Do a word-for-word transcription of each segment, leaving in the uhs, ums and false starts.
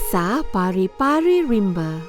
Kisah Pari-Pari Rimba.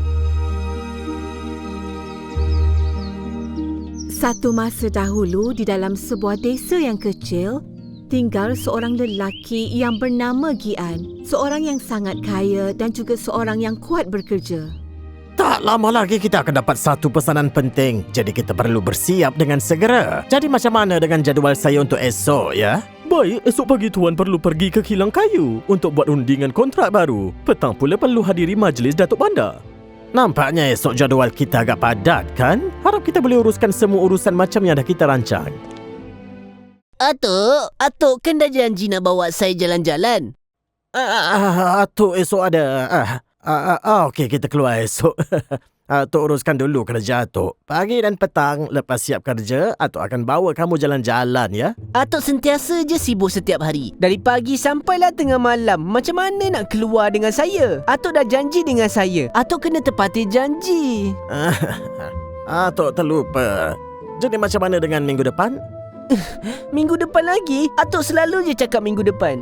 Satu masa dahulu, di dalam sebuah desa yang kecil, tinggal seorang lelaki yang bernama Gian. Seorang yang sangat kaya dan juga seorang yang kuat bekerja. Tak lama lagi kita akan dapat satu pesanan penting. Jadi kita perlu bersiap dengan segera. Jadi macam mana dengan jadual saya untuk esok, ya? Baik, esok pagi Tuan perlu pergi ke kilang kayu untuk buat undingan kontrak baru. Petang pula perlu hadiri majlis Datuk Bandar. Nampaknya esok jadual kita agak padat, kan? Harap kita boleh uruskan semua urusan macam yang dah kita rancang. Atuk, Atuk kan dah janji nak bawa saya jalan-jalan. Ah, Atuk esok ada... Ah, ah, ah, okey, kita keluar esok. Atuk uruskan dulu kerja Atuk. Pagi dan petang, lepas siap kerja, Atuk akan bawa kamu jalan-jalan, ya? Atuk sentiasa je sibuk setiap hari. Dari pagi sampailah tengah malam. Macam mana nak keluar dengan saya? Atuk dah janji dengan saya. Atuk kena tepati janji. Atuk terlupa. Jadi macam mana dengan minggu depan? Minggu depan lagi? Atuk selalu je cakap minggu depan.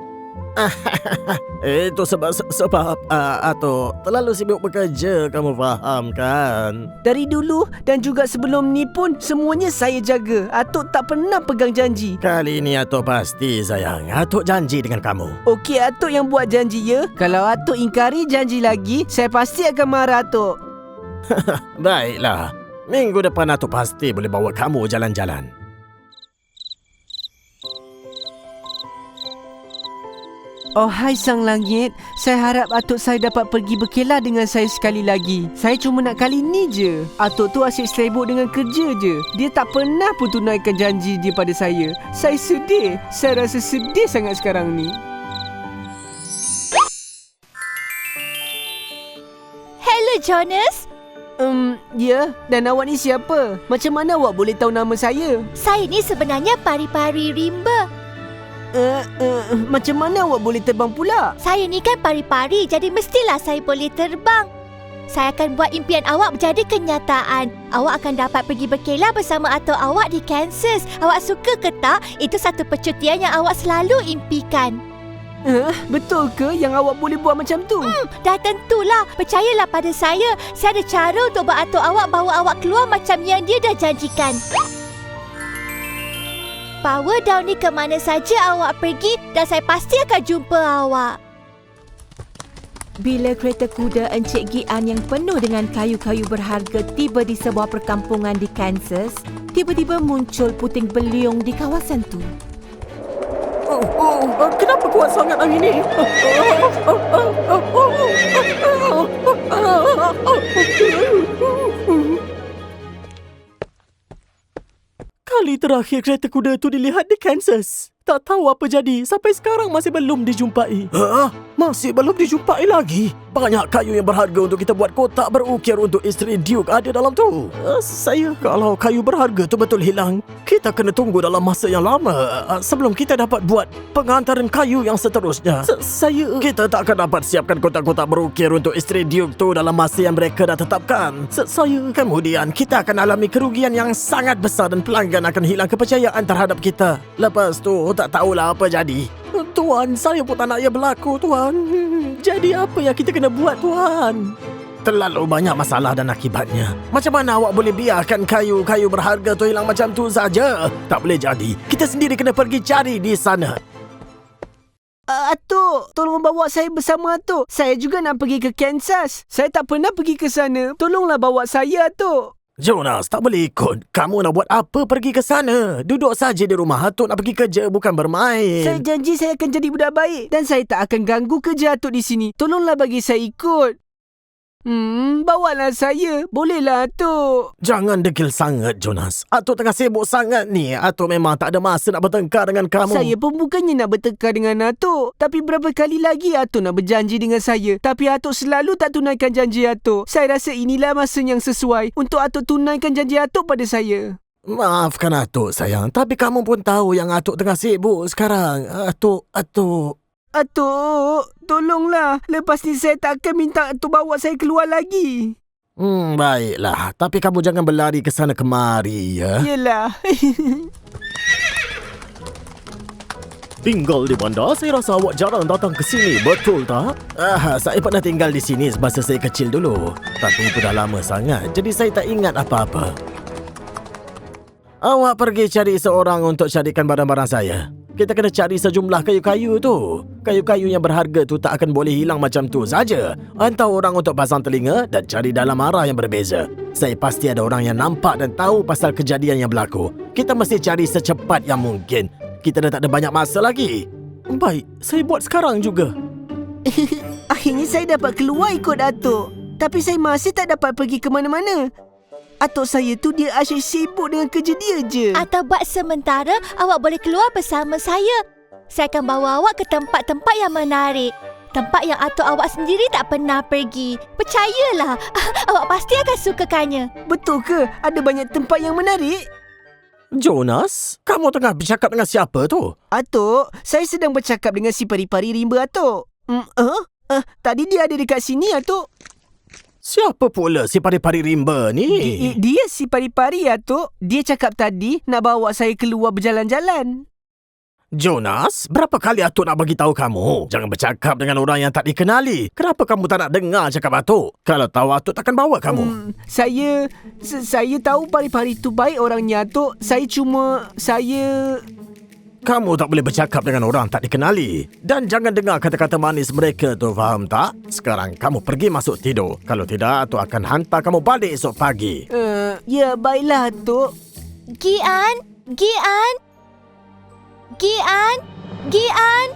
Itu sebab sebab uh, Atuk terlalu sibuk bekerja, kamu faham kan? Dari dulu dan juga sebelum ni pun semuanya saya jaga. Atuk tak pernah pegang janji. Kali ini Atuk pasti sayang. Atuk janji dengan kamu. Okey, Atuk yang buat janji, ya? Kalau Atuk ingkari janji lagi, saya pasti akan marah, Atuk. Baiklah. Minggu depan Atuk pasti boleh bawa kamu jalan-jalan. Oh hai Sang Langit, saya harap Atuk saya dapat pergi berkelah dengan saya sekali lagi. Saya cuma nak kali ni je. Atuk tu asyik sibuk dengan kerja je. Dia tak pernah pun tunaikan janji dia pada saya. Saya sedih. Saya rasa sedih sangat sekarang ni. Hello, Jonas. Um, ya, dan awak ni siapa? Macam mana awak boleh tahu nama saya? Saya ni sebenarnya Pari-Pari Rimba. Uh, uh, macam mana awak boleh terbang pula? Saya ni kan pari-pari, jadi mestilah saya boleh terbang. Saya akan buat impian awak menjadi kenyataan. Awak akan dapat pergi berkelah bersama atuk awak di Kansas. Awak suka ke tak? Itu satu percutian yang awak selalu impikan. Uh, betul ke yang awak boleh buat macam tu? Hmm, dah tentulah. Percayalah pada saya. Saya ada cara untuk buat atuk awak bawa awak keluar macam yang dia dah janjikan. Bawa Daun ni ke mana saja awak pergi dan saya pasti akan jumpa awak. Bila kereta kuda Encik Gian yang penuh dengan kayu-kayu berharga tiba di sebuah perkampungan di Kansas, tiba-tiba muncul puting beliung di kawasan tu. Oh, oh, kenapa kuat sangat angin ni? Kali terakhir kereta kuda tu dilihat di Kansas. Tak tahu apa jadi. Sampai sekarang masih belum dijumpai. Hah? Masih belum dijumpai lagi? Banyak kayu yang berharga untuk kita buat kotak berukir untuk isteri Duke ada dalam tu. Uh, saya... Kalau kayu berharga tu betul hilang, kita kena tunggu dalam masa yang lama uh, sebelum kita dapat buat pengantaran kayu yang seterusnya. S- saya... Kita tak akan dapat siapkan kotak-kotak berukir untuk isteri Duke tu dalam masa yang mereka dah tetapkan. S- saya... Kemudian kita akan alami kerugian yang sangat besar dan pelanggan akan hilang kepercayaan terhadap kita. Lepas tu tak tahulah apa jadi. Tuan, saya pun tak nak ia berlaku, Tuan. Jadi apa yang kita kena buat, Tuan? Terlalu banyak masalah dan akibatnya. Macam mana awak boleh biarkan kayu-kayu berharga tu hilang macam tu saja? Tak boleh jadi. Kita sendiri kena pergi cari di sana. Uh, Atuk, tolong bawa saya bersama Atuk. Saya juga nak pergi ke Kansas. Saya tak pernah pergi ke sana. Tolonglah bawa saya, Atuk. Jonas, tak boleh ikut. Kamu nak buat apa pergi ke sana? Duduk saja di rumah. Atuk nak pergi kerja, bukan bermain. Saya janji saya akan jadi budak baik. Dan saya tak akan ganggu kerja Atuk di sini. Tolonglah bagi saya ikut. Hmm, bawalah saya. Bolehlah, Atuk. Jangan degil sangat, Jonas. Atuk tengah sibuk sangat ni. Atuk memang tak ada masa nak bertengkar dengan kamu. Saya pun bukannya nak bertengkar dengan Atuk. Tapi berapa kali lagi Atuk nak berjanji dengan saya. Tapi Atuk selalu tak tunaikan janji Atuk. Saya rasa inilah masa yang sesuai untuk Atuk tunaikan janji Atuk pada saya. Maafkan Atuk, sayang. Tapi kamu pun tahu yang Atuk tengah sibuk sekarang. Atuk, Atuk... Atuk, tolonglah. Lepas ni saya tak akan minta Atuk bawa saya keluar lagi. Hmm, baiklah. Tapi kamu jangan berlari ke sana kemari, ya? Yelah. Tinggal di bandar, saya rasa awak jarang datang ke sini, betul tak? Ah, saya pernah tinggal di sini semasa saya kecil dulu. Tapi itu dah lama sangat, jadi saya tak ingat apa-apa. Awak pergi cari seorang untuk carikan barang-barang saya. Kita kena cari sejumlah kayu-kayu tu. Kayu-kayu yang berharga tu tak akan boleh hilang macam tu saja. Hantar orang untuk pasang telinga dan cari dalam arah yang berbeza. Saya pasti ada orang yang nampak dan tahu pasal kejadian yang berlaku. Kita mesti cari secepat yang mungkin. Kita dah tak ada banyak masa lagi. Baik, saya buat sekarang juga. Akhirnya saya dapat keluar ikut Atuk. Tapi saya masih tak dapat pergi ke mana-mana. Atuk saya tu dia asyik sibuk dengan kerja dia je. Atau buat sementara, awak boleh keluar bersama saya. Saya akan bawa awak ke tempat-tempat yang menarik. Tempat yang atuk awak sendiri tak pernah pergi. Percayalah, awak pasti akan sukakannya. Betul ke? Ada banyak tempat yang menarik? Jonas, kamu tengah bercakap dengan siapa tu? Atuk, saya sedang bercakap dengan si pari-pari rimba Atuk. Hmm, uh, uh, tadi dia ada dekat sini, Atuk. Siapa pula si pari-pari rimba ni? I, i, dia si pari-pari, Atuk. Dia cakap tadi nak bawa saya keluar berjalan-jalan. Jonas, berapa kali Atuk nak bagi tahu kamu? Jangan bercakap dengan orang yang tak dikenali. Kenapa kamu tak nak dengar cakap Atuk? Kalau tahu Atuk takkan bawa kamu. Hmm, saya saya tahu pari-pari tu baik orangnya, Atuk. Saya cuma saya Kamu tak boleh bercakap dengan orang tak dikenali. Dan jangan dengar kata-kata manis mereka tu, faham tak? Sekarang kamu pergi masuk tidur. Kalau tidak, Atuk akan hantar kamu balik esok pagi. uh, ya baiklah, Atuk. Gian, Gian, Gian, Gian.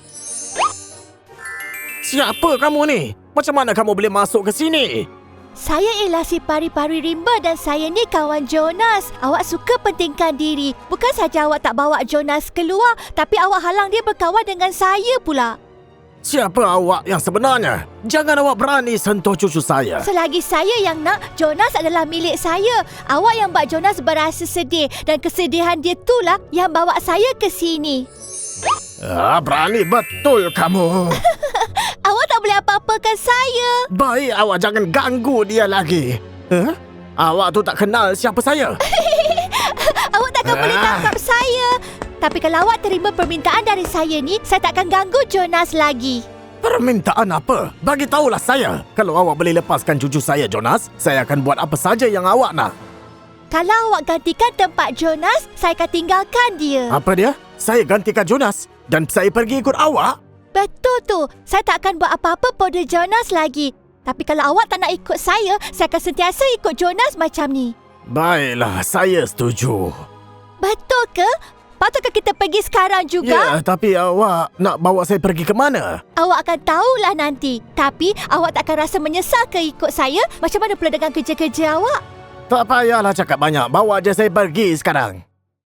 Siapa kamu ni? Macam mana kamu boleh masuk ke sini? Saya ialah si pari-pari rimba dan saya ni kawan Jonas. Awak suka pentingkan diri. Bukan saja awak tak bawa Jonas keluar, tapi awak halang dia berkawan dengan saya pula. Siapa awak yang sebenarnya? Jangan awak berani sentuh cucu saya. Selagi saya yang nak, Jonas adalah milik saya. Awak yang buat Jonas berasa sedih dan kesedihan dia itulah yang bawa saya ke sini. Ah, berani betul kamu. Awak tak boleh apa-apakan saya. Baik, awak jangan ganggu dia lagi. Huh? Awak tu tak kenal siapa saya. Awak takkan Ah. boleh tangkap saya. Tapi kalau awak terima permintaan dari saya ni, saya takkan ganggu Jonas lagi. Permintaan apa? Bagi tahulah saya. Kalau awak boleh lepaskan cucu saya, Jonas, saya akan buat apa saja yang awak nak. Kalau awak gantikan tempat Jonas, saya akan tinggalkan dia. Apa dia? Saya gantikan Jonas dan saya pergi ikut awak? Betul tu. Saya tak akan buat apa-apa pada Jonas lagi. Tapi kalau awak tak nak ikut saya, saya akan sentiasa ikut Jonas macam ni. Baiklah, saya setuju. Betul ke? Patutkah kita pergi sekarang juga? Ya, tapi awak nak bawa saya pergi ke mana? Awak akan tahulah nanti. Tapi awak tak akan rasa menyesal ke ikut saya? Macam mana pula dengan kerja-kerja awak? Tak payahlah cakap banyak. Bawa je saya pergi sekarang.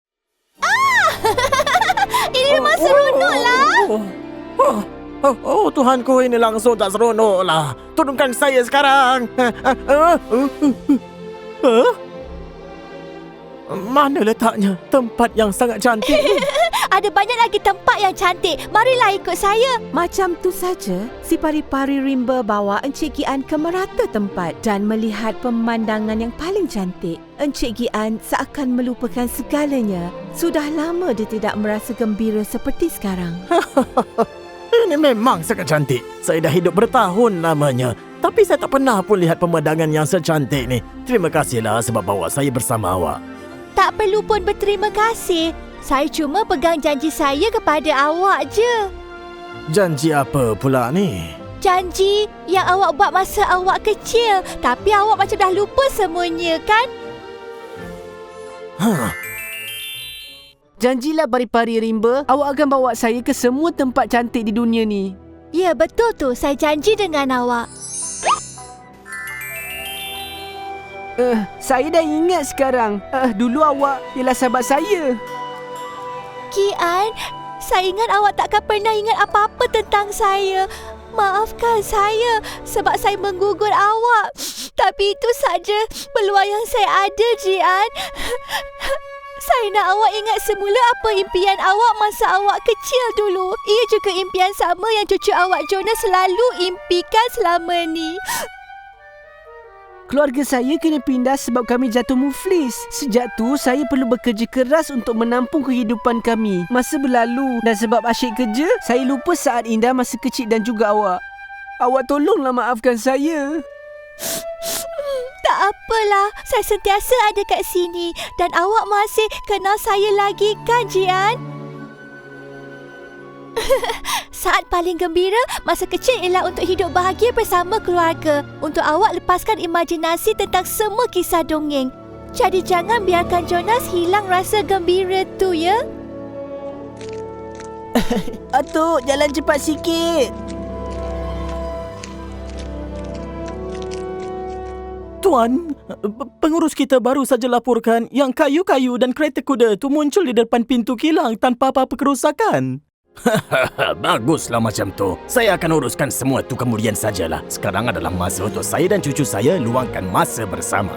Ini memang seronoklah. Oh, oh, oh, oh, Tuhanku, ini langsung tak seronoklah. Turunkan saya sekarang. Huh? Mana letaknya tempat yang sangat cantik ni? Ada banyak lagi tempat yang cantik. Marilah ikut saya. Macam tu saja, si pari-pari rimba bawa Encik Gian ke merata tempat dan melihat pemandangan yang paling cantik. Encik Gian seakan melupakan segalanya. Sudah lama dia tidak merasa gembira seperti sekarang. Ini memang sangat cantik. Saya dah hidup bertahun lamanya, tapi saya tak pernah pun lihat pemandangan yang secantik ni. Terima kasihlah sebab bawa saya bersama awak. Tak perlu pun berterima kasih. Saya cuma pegang janji saya kepada awak je. Janji apa pula ni? Janji yang awak buat masa awak kecil. Tapi awak macam dah lupa semuanya, kan? Huh. Janjilah pari-pari rimba, awak akan bawa saya ke semua tempat cantik di dunia ni. Ya, betul tu. Saya janji dengan awak. Uh, saya dah ingat sekarang. Uh, dulu awak ialah sahabat saya. Gian, saya ingat awak takkan pernah ingat apa-apa tentang saya. Maafkan saya sebab saya menggugur awak. Tapi itu saja peluang yang saya ada, Gian. Saya nak awak ingat semula apa impian awak masa awak kecil dulu. Ia juga impian sama yang cucu awak Jonas selalu impikan selama ni. Keluarga saya kena pindah sebab kami jatuh muflis. Sejak tu, saya perlu bekerja keras untuk menampung kehidupan kami. Masa berlalu dan sebab asyik kerja, saya lupa saat indah masa kecil dan juga awak. Awak tolonglah maafkan saya. Tak apalah, saya sentiasa ada kat sini dan awak masih kenal saya lagi kan, Jian? Saat paling gembira masa kecil ialah untuk hidup bahagia bersama keluarga. Untuk awak lepaskan imajinasi tentang semua kisah dongeng. Jadi jangan biarkan Jonas hilang rasa gembira tu, ya? Atuk, jalan cepat sikit. Tuan, pengurus kita baru saja laporkan yang kayu-kayu dan kereta kuda tu muncul di depan pintu kilang tanpa apa-apa kerosakan. Baguslah macam tu. Saya akan uruskan semua tu kemudian sajalah. Sekarang adalah masa untuk saya dan cucu saya luangkan masa bersama.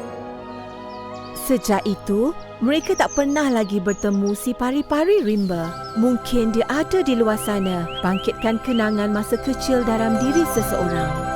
Sejak itu, mereka tak pernah lagi bertemu si pari-pari rimba. Mungkin dia ada di luar sana, bangkitkan kenangan masa kecil dalam diri seseorang.